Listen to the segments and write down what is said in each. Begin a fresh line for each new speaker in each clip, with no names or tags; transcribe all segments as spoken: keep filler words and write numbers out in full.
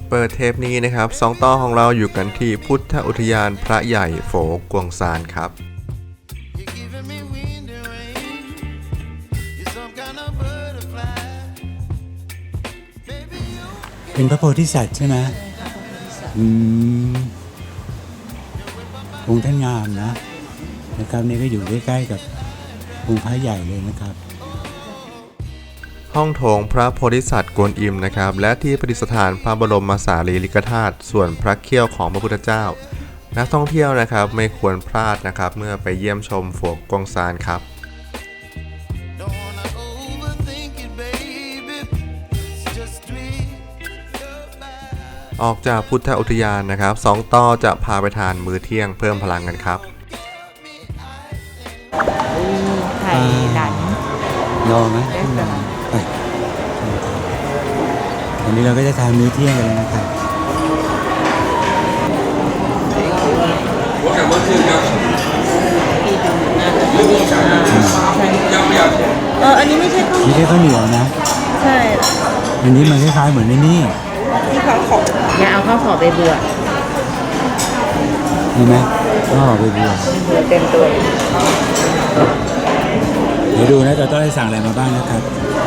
เปิดเทปนี้นะครับสองต่อของเราอยู่กันที่พุทธอุทยานพระใหญ่โฝกวงซานครับ
เป็นพระโพธิสัตว์ใช่ไหมอืมองค์ท่านงามนะนะครับนี่ก็อยู่ใกล้ๆกับองค์พระใหญ่เลยนะครับ
ห้องโถงพระโพธิสัตว์กวนอิมนะครับและที่ประดิษฐานพระบรมสารีริกธาตุส่วนพระเขี้ยวของพระพุทธเจ้านักท่องเที่ยวนะครับไม่ควรพลาดนะครับเมื่อไปเยี่ยมชมโฝกกวงซานครับออกจากพุทธอุทยานนะครับสองต่อจะพาไปทานมื้อเที่ยงเพิ่มพลังกันครับ
ไข่หลัน
รอไหมไปวันนี้เราก็จะทานมื้อเที่ยงกันแล้วนะครับ
เอออันนี้ไม่ใช่ข้าว
ไม่ใช่ข้าวเหนียวนะ
ใช่
อันนี้มันคล้ายๆเหมือนในนี่
ที่ข้าวขออย่าเอาข้าวขอไปเบื่อ
เห็นไหมข้าวขอไปเบื่อ
เบื่อเต็มตัว
เดี๋ยวดูนะจะต้องได้สั่งอะไรมาบ้างนะครับ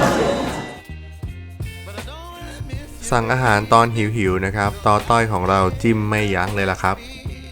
สั่งอาหารตอนหิวๆนะครับต่อต้อยของเราจิ้มไม่ยั้งเลยล่ะครับ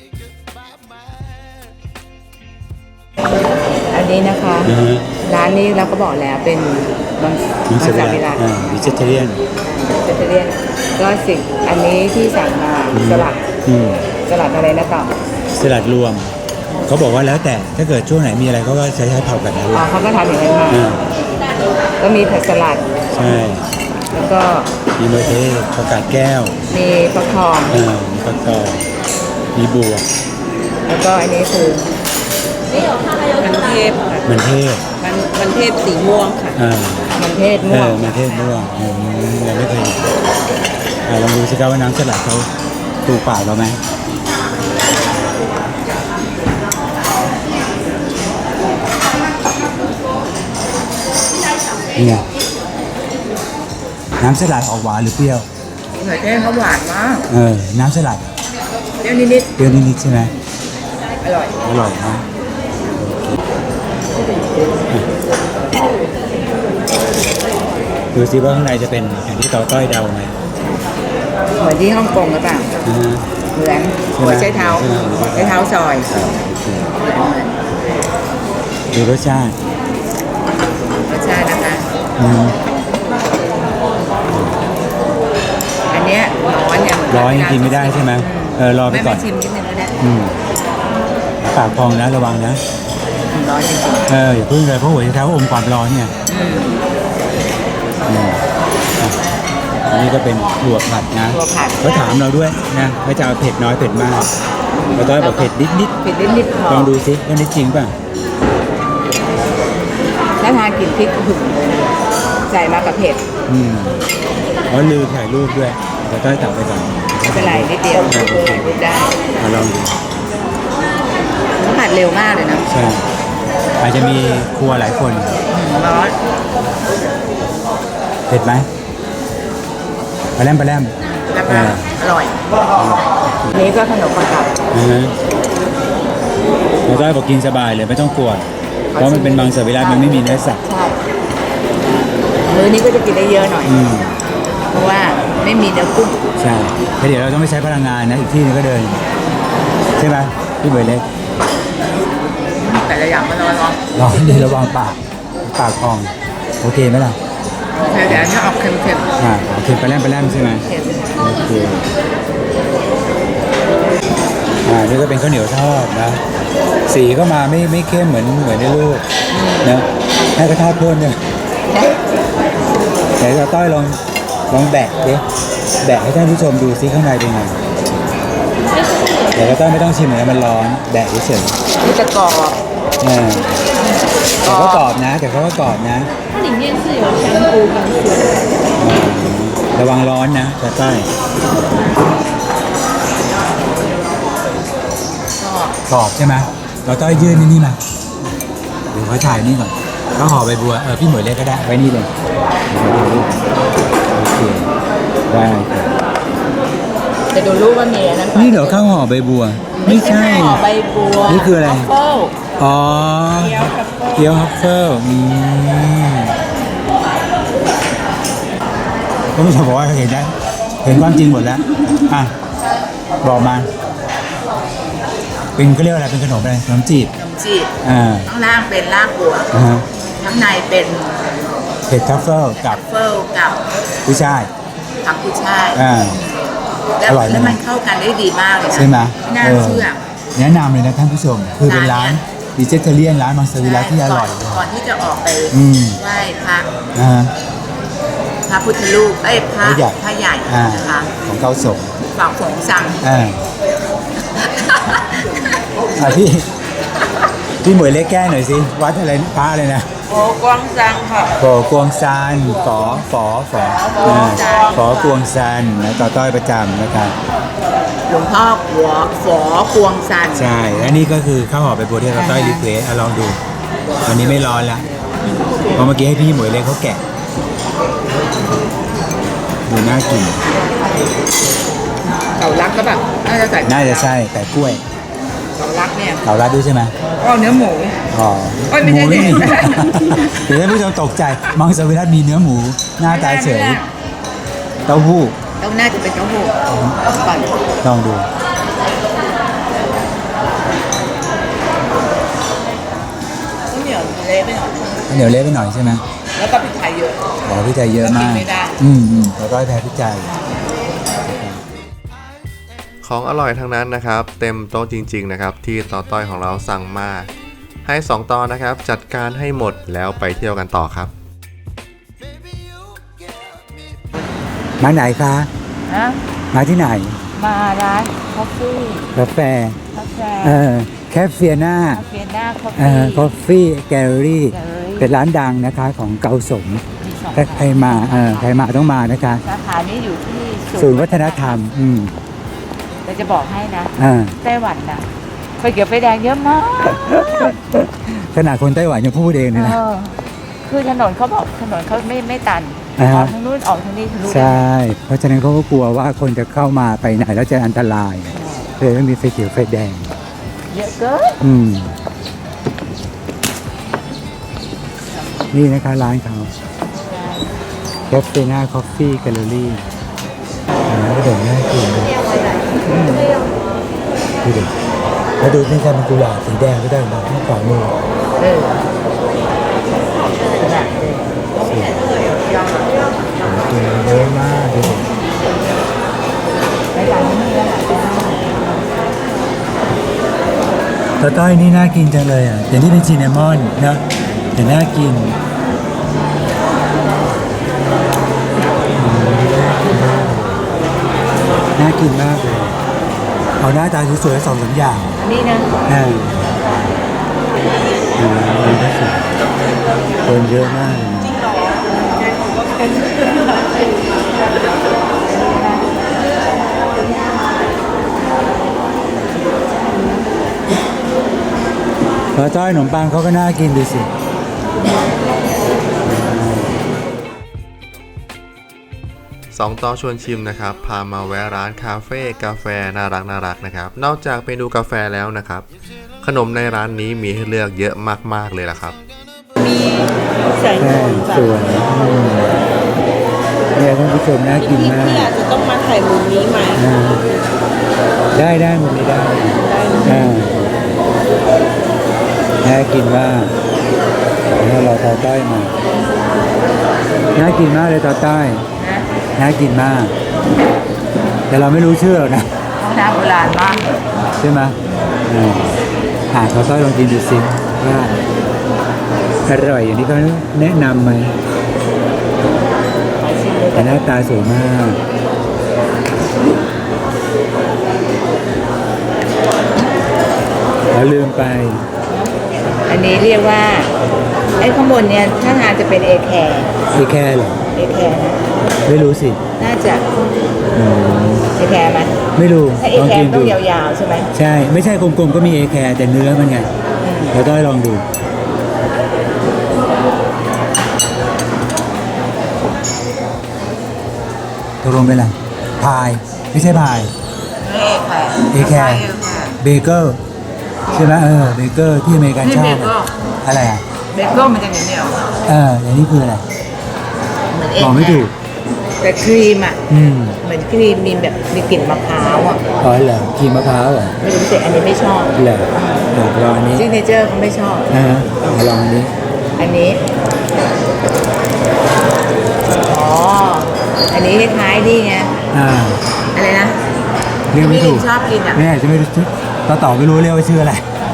อันนี้นะคะร้านนี้เราก็บอกแล้วเป็นมังสวิรัติ
วิจิตเรียน
วิจิตเรียนก็สิ่งอันนี้ที่สั่งมาสลัดสลัดอะไรนะต่อ
สลัดรวมเขาบอกว่าแล้วแต่ถ้าเกิดช่วงไหนมีอะไรเขาก็ใช้ใช้เผาแบบนั้น
อ๋อเขาก็ทำอย่างนั้นมาก็มีผักสลัด
ใช่
แล้วก็
มีมะเขือผักกาดแก้ว
มีฟักทอง
อ่ามีฟักทองมีบวบ
แล้วก็อันนี้คือมันเทพ
มันเทพ
มันมันเทพสีม่วงค่ะ
อ่า
มันเทพม่วง
มันเทพม่วงเราไม่เคยอ่าลองดูสิครับว่าน้ำสลัดเขาถูกปากเราไหมนี่ไงน้ำสลัดออกหวานหรือเปรี้ยว
หอยเทศเขาหวานมาก
เออน้ำสลัด
เปรี้ยวนิด
ๆเปรี้ยวนิดๆใช่ไหม
อร่อย
อร่อยนะดูสิว่าข้างในจะเป็นอย่างที่ต่อต้อยเดาไหม
เหมือนที่ฮ่องกงหรือเปล่าเหมือนหัวใช้เท้าใช้เท้าซอย
ดูรสชาติ
รสชาตินะคะอันเนี้ยร้อนเนี่ย
ร้อนกินไม่ได้ใช่ไหมเออรอไปก่อน
ไม่ชิมนิดนึงก็ได้
ปากพองนะระวังนะ
ร้อนจริง
ๆเอออย่าพึ่งเลยเพราะหัวใจเท้าอมความร้อนเนี่ยอันนี้ก็เป็นถั่วผัดนะเขาถามเราด้วยนะว่าจะเอาเผ็ดน้อยเผ็ดมากเราต้องบอกเผ็ดนิดนิด
เผ็ดนิดนิด
ลองดูสิว่านี่จริงป่ะ
ถ้าทานกลิ่นพริกถึงเลยนะใส่มากับเผ็ด
อืมอ๋อลืมถ่ายรูปด้วยเราต้องตักไปก่อน
ไม่เป็นไรนิดเดียวถ่ายรูปได้
มาลองดู
เขาผัดเร็วมากเลยนะ
ใช่อาจจะมีครัวหลายคน
ร้อน
เผ็ดไหมปลาแรมปลาแรม
อร่อยนี้ก็ขนมปังกับ
เราได้บอกกินสบายเลยไม่ต้องกลัวเพราะมันเป็นมังสวิรัติมันไม่มีเนื้อสัตว์
ใช่มื้อนี้ก็จะกินได้เยอะหน่อยเพราะว่าไม่มีเนื้อกุ้ง
ใช่แต่เดี๋ยวเราต้องไม่ใช้พลังงานนะอีกที่นึงก็เดินใช่ไหมพี่เบย์เล็ก
แต่ละอย่างมันร้อนร้อน
ร้อนดีระวังปากปากพองโอเคไหมล่ะ
แต่อันนี้ออกเค็ม
ๆอ่าเค็มไปแล้มไปแล้มใช่ไหมโอเคอ่านี่ก็เป็นข้าวเหนียวทอดนะสีก็มาไม่ไม่เข้มเหมือนเหมือนในรูปนะให้กระทะพ่นเนี่ยเดี๋ยวเราต้อยลองลองแบะดิแบะให้ท่านผู้ชมดูซิข้างในเป็นไงเดี๋ยวเราต้อยไม่ต้องชิมเลยมันร้อนแบะเฉย
ๆนี่จะกรอบ
อ่าแต่ก็กรอบนะแต่เขาก็กรอบนะ
它里面是有香菇跟水
ระวังร้อนนะจะใต้กรอบใช่ไหมเราต้องยื่นนี่นี่มาเดี๋ยวเขาถ่ายนี่ก่อนก็ห่อใบบัวเออพี่หมวยเล็กก็ได้ไว้นี่เลยโอเคได้
จะดูรูปว่ามีอันนั้น
นี่เดี๋ยวข้าวห่อใบบัว ไม่ใช่
ห่อใบบัว
นี่คืออะไร
ทัฟเฟิล
อ๋อ
เกี๊ยวทัฟเฟิล
เกี๊ยวฮัฟเฟิลอืมก็ไม่ใช่บอกว่าเห็นได้เห็นความจริงหมดแล้วอ่ะบอกมา เป็นก็เรียกว่าอะไรเป็นขนมอะไรขนมจีบ
ขนมจีบ
อ่า
ข้างล่างเป็นรากบัว
อ่าฮะ
ข้างในเป็น
เผ็ดทัฟเฟิลกับ
ทัฟเฟิลกับ
กุ้ยช่าย
ผักกุยช่าย
อ่า
แล้ว
อร่อยไหม
แล้วมันเข้ากันได้ดีมากเลยนะ
ใช่ไหม
ไม่น่าเชื่อ
แนะนำเลยนะท่านผู้ชม คือเป็นร้านดิเจเทเรียนร้านมังสวิรัติที่อร่อย
ก่นก่อนที่จะออกไป
อืม
ไหว้พระ
อ่า
พระพุทธรูปเอ้ยพระ
พระใหญ่
พระใหญ่
อ่า
นะคะ
ของเกาสง
ฝากฝงสั่ง
อ่าอ่ะพี่ พี่หมวยเล็กแก้หน่อยสิ วัดอะไรนะพระอะไรนะ
โอ้กวางซังค่ะ
ฝอกวงซานฝอฝอฝออ่าฝอกวงซานนะต่อต้อยประจำนะครับ
หลวงพ่อหัวฝอกวงซัน
ใช่และนี่ก็คือข้าวห่อใบบัวที่ต่อต้อยรีเควสอ่ะลองดู ตอนนี้ไม่ร้อนละเพราะเมื่อกี้ให้พี่หมวยเล็กเขาแกะดูน่ากิน
เต่ารักก็แบบน่าจะใส่
น่าจะใช่แต่กล้วย
เต่ารักเนี่ย
เต่ารัดด้วยใช่ไหม
ก็เนื้อหมู
อ๋อ
โอ้ยไม่ใช่
หมู
เด็ก
เดี๋ยวท่านผู้ชมตกใจมังสวิรัติมีเนื้อหมูหน้าตาเฉยเต้าหู้
ต้องน่าจะเป็นเต้าหู้ก่อน
ลองดู
ต้องเหนียวเละไปหน่อย
เหนียวเละไปหน่อยใช่ไหม
แล้วก็พริกไทยเยอะ
อ๋อพี่ใจเยอะมาก
กินไม่ได้
อืมอืมแล้วก็แพ้พี่ใจ
ของอร่อยทั้งนั้นนะครับ เต็มโต๊ะจริงๆนะครับที่ต่อต้อยของเราสั่งมาให้สองตอนนะครับจัดการให้หมดแล้วไปเที่ยวกันต่อครับ
มาไหนคะ
นะ
มาที่ไหน
มาร้านคอฟฟี่
กาแฟ
กาแฟ
เออแคฟเฟียนา
คาเฟ่หน้าคอฟ
เอ
ฟี่
อคอฟฟี่แกลเลอรี่
Gallery
เป็นร้านดังนะคะของเกาสง
มีสอง
ถ้าใครมาเออใครมาต้องมานะคะ
สาขานี้อยู่ที่
ศูนย์วัฒนธรรม อืม
แต่จะบอกให้นะ
อ่า
ไต้หวันน่ะไฟเขียวไฟแดงเยอะมาก
ขนาดคนไต้หวันยังพูดเองเลยนะ
เออคือถนนเขาบอกถนนเขาไม่ไม่ตัน
อ่า
อ
ฮะ
อกทางนู้นออกทางนี้ทะลุ
ใช่ เพราะฉะนั้นเขาก็กลัวว่าคนจะเข้ามาไปไหนแล้วจะอันตรายเลยไม่มีไฟเขียวไฟแดง
เยอะเกิน
อืม นี่นะคะร้านเขาแคฟเฟน่าคอฟฟี่แกลเลอรี่ก็เดี๋ยวน่ากินเลยดูดิแล้วดูนี่จะเป็นกุหลาบสีแดงก็ได้นะที่ขวามือ
เออขนาดเลย
กินเยอะมากดูดิ
ในร้านนี้แล้ว
ตาต้อยนี่น่ากินจังเลยอ่ะแต่นี่เป็นซินนามอนนะแต่น่ากินน่ากินมากเลยเอาหน้าตาสวยๆสองสามอย่าง
อันนี้นะ
อ่าดูดีที่สุดคนเยอะมากเลยนะปลาจ้อยขนมปังเขาก็น่ากินดูสิ
สองต่อชวนชิมนะครับพามาแวะร้านคาเฟ่กาแฟน่ารักน่ารักนะครับนอกจากเมนูกาแฟแล้วนะครับขนมในร้านนี้มีให้เลือกเยอะมากๆเลยล่ะครับ
มีใส่
แป้งสวยอืมเนี่ยท่านผู้ชมน่ากินมาก
อาจจะต้องมาถ่ายมุมนี้ไหม
อ่าได้ได้มันไม่ได้อ่าน่ากินมากเดี๋ยวเราต่อต้อยมาน่ากินมากเลยต่อต้อย
นะ
น่ากินมาก แต่เราไม่รู้ชื่อหรอกนะ
ห้องน้ำโบราณมาก
ใช่ไหมอ่าอ่าต่อต้อยลองกินดูสิว่าอร่อยอย่างที่เขาแนะนำไหมแต่หน้าตาสวยมากแล้วลืมไป
อันนี้เรียกว่าไอ้ข้างบนเนี่ยถ้าทางจะเป็นเอแคร์
อีแค่เหรอ
เอแคร์นะ
ไม่รู้สิ
น่าจะ
อืม
เอแคร์ไหม
ไม่รู้
ถ้าเอ
ลอง
แค
กิ
ร์
น
ต้
ดู
องยาวๆใช่ไหม
ใช่ ไม่ใช่กลมๆก็มีเอแคร์แต่เนื้อมันไงเดี๋ยวต้อยลองดูตกลงเป็นอะไรพาย ไม่ใช่พาย
เอแคร์
เอแคร์
เอแคร์
เบเกอร์ใช่ไหมเออเบเกอร์ที่อเมริกัน
นี่
ชอ
เบบ เกอร์
อะไรอ่ะ
เบเกอร์มันจะเหนียว
เอออย่างนี้คืออะไร
ๆเหมือนเอ
บอก
แค
ไม่ถูก
ร์แต่ครีมอ่ะ
อืม
เหมือนครีมมีแบบมีกลิ่นมะพร้าวอ่ะ
อ๋อเหรอครีมมะพร้าวเหรอ
ไม่รู้แต่อันนี้ไม่ชอบ
เหรอเดี๋ยวลองอันนี้
ซิกเนเจอร์เขาไม่ชอบ
นะฮะเอาลองอันนี้
อันนี้ อ๋อ อันนี้คล้ายๆนี่ไง
อ่า
อะไรนะ
เรียกไม่ถูก
ที่ชอบกินอ่ะ
แม่จะไม่รู้ชื่อต่อต่อไม่รู้เรียกว่าชื่ออะไร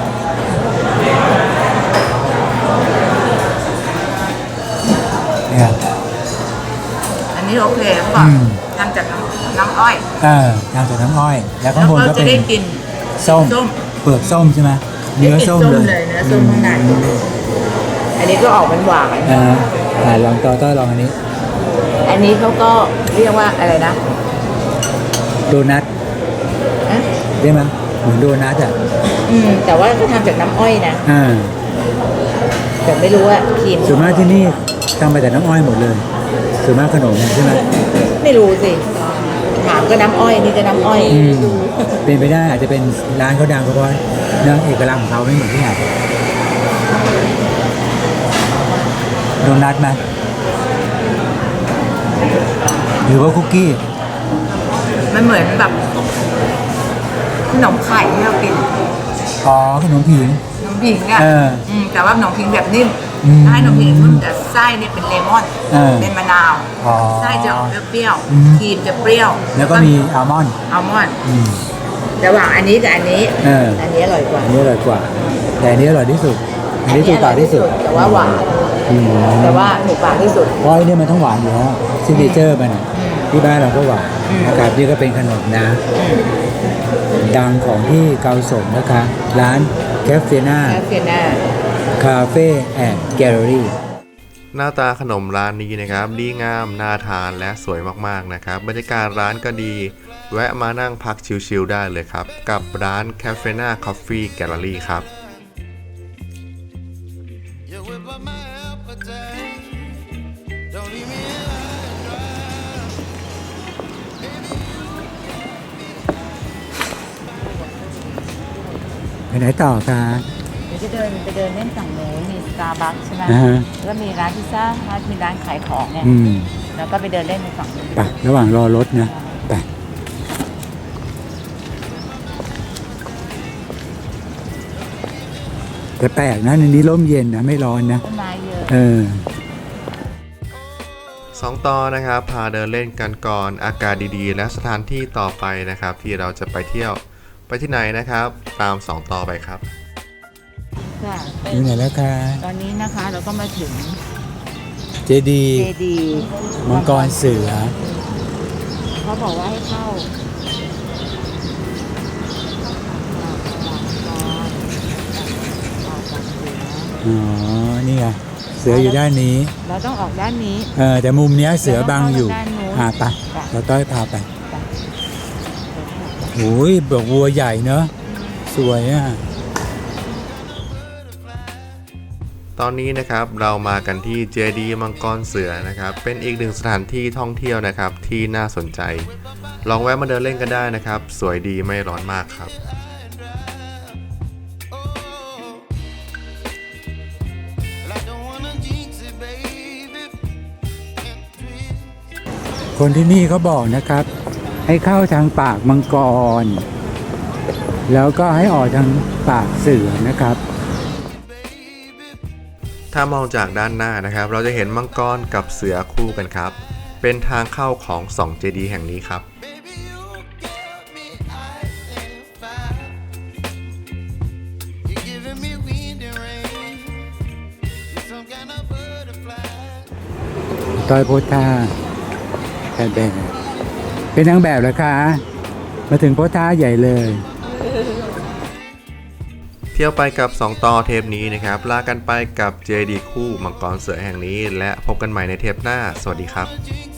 เนี่ย
อันนี้โอเคเขาบอก
อืม
ทำจากน้ำน้ำอ้อย
เออทำจากน้ำอ้อย แล้ว
แล้
ข้าง
ว
บน
ก็
ก็
จะ
เป็น
ได้กิน
ส้ม
ส้ม
เปลือกส้มใช่ไหมเนื้อส้ม
ได้
เลย
กินส้มเลยเนื้อส้มข้างใน อันนี้ก็ออกหวาน
อ่าอ่าลองต่อต่อลองอันนี้
ๆอันนี้เขาก็เรียกว่าอะไรนะ
โดนัท
ฮะ
ได้ไหมเหมือนโดนัทอ่ะ
อืม แต่ว่าก็ทำจากน้ำอ้อยนะ
อ่า
แต่ไม่รู้ว่าครีม
ส่วนมากที่นี่ทำมาจากน้ำอ้อยหมดเลยส่วนมากขนมใช่ไหม
ไม่รู้สิ ถามก็น้ำอ้อย นี่ก็น้ำอ้อย
อืมเป็นไปได้อาจจะเป็นร้านเขาดังเพราะว่าเนื้อเอกลักษณ์ของเขาไม่เหมือนที่ไหนโดนัทไหมหรือว่าคุกกี้
มันเหมือนแบบขนมไข่ที่เรากิน
อ๋อขนมผิง
ขนมผิงอ่ะ
เออ
อืมแต่ว่าขนมผิงแบบนิ่ม
อืม
ถ้าให้ขนมผิงนุ่มแต่ไส้เนี่ยเป็นเลมอน
เออ
เป็นมะนาว
อ๋อ
ไส้จะออกเปรี้ยว
อืม
ๆครีมจะเปรี้ยว
แล้วก็มีอัลมอนด์
อัลมอนด์
อืม
ระหว่างอันนี้กับอันนี้
เออ
อันนี้อร่อยกว่า
อันนี้อร่อยกว่า แต่อันนี้อร่อยที่สุด อันนี้ถูกปากที่สุด
แต่ว่าหวาน
อืม
แต่ว่าถูกปากที่สุด
เพราะไอ้เนี่ยมันต้องหวานอยู่แล้วซิกเนเจอร์มันอะ
อืม
ที่บ้านเราก็หวาน
อืม
นะครับนี่ก็เป็นขนมนะ ดังของที่เกาสมนะคะ ร้านแคฟเฟน่า
แคฟเฟน่า
คาเฟ่แอนด์แกลเลอรี่
หน้าตาขนมร้านนี้นะครับดีงามน่าทานและสวยมากๆนะครับบรรยากาศร้านก็ดี แวะมานั่งพักชิลๆได้เลยครับ กับร้าน Cafena Coffee Gallery ครับ
You whip up my appetite. Don't leave me high and dry.
ไปไหนต่อคะ
เดี๋ยวจะเดินไปเดินเล่นฝั่งโน้นมีสตาร์บัคใช่ไหม
อ่าฮะ
แล้วก็มีร้านพิซซ่าฮัทมีร้านขายของเนี่ย
อืม
แล้วก็ไปเดินเล่นในฝั่งนู้น
ไประหว่างรอรถนะไปแต่แปลกนะในนี้ร่มเย็นนะ ไม่ร้อนนะ
ต้นไม้เยอะ
เออ
สองต่อนะครับพาเดินเล่นกันก่อนอากาศดีๆ และสถานที่ต่อไปนะครับ ที่เราจะไปเที่ยวไปที่ไหนนะครับ ตามสองต่อไปครับ
ค่ะ
อยู่ไหนแล้วคะ
ตอนนี้นะคะเราก็มาถึง
เจดี
เจดี
มังกรเสือ
เขาบอกว่าให้เข้า
อ๋อ นี่ไง เสืออยู่ด้านนี้
เราต้องออกด้านนี้
เออ แต่มุมเนี้ยเสือบังอยู่
เราต้องเข้าด้านนู้น
อ่าไป
ไป
เราต้อยพาไปโอ้ยบอกวัวใหญ่เนอะ สวยอ่ะ
ตอนนี้นะครับเรามากันที่เจดีมังกรเสือนะครับเป็นอีกหนึ่งสถานที่ท่องเที่ยวนะครับที่น่าสนใจ ลองแวะมาเดินเล่นกันได้นะครับ สวยดีไม่ร้อนมากครับ
Well, I don't wanna jinx it, baby. Can't twist.
คนที่นี่เขาบอกนะครับ ให้เข้าทางปากมังกร แล้วก็ให้ออกทางปากเสือนะครับ
ถ้ามองจากด้านหน้านะครับ เราจะเห็นมังกรกับเสือคู่กันครับ เป็นทางเข้าของสองเจดีย์แห่งนี้ครับ
Baby, you give me ice and fire. You're giving me wind and rain. You're some kind of butterfly.
ต้อยโพธาแอบแบบเป็นนางแบบเหรอคะ มาถึงโพธาใหญ่เลย
เที่ยวไปกับสองต่อเทปนี้นะครับ ลากันไปกับเจดีย์คู่มังกรเสือแห่งนี้ และพบกันใหม่ในเทปหน้า สวัสดีครับ
Jinx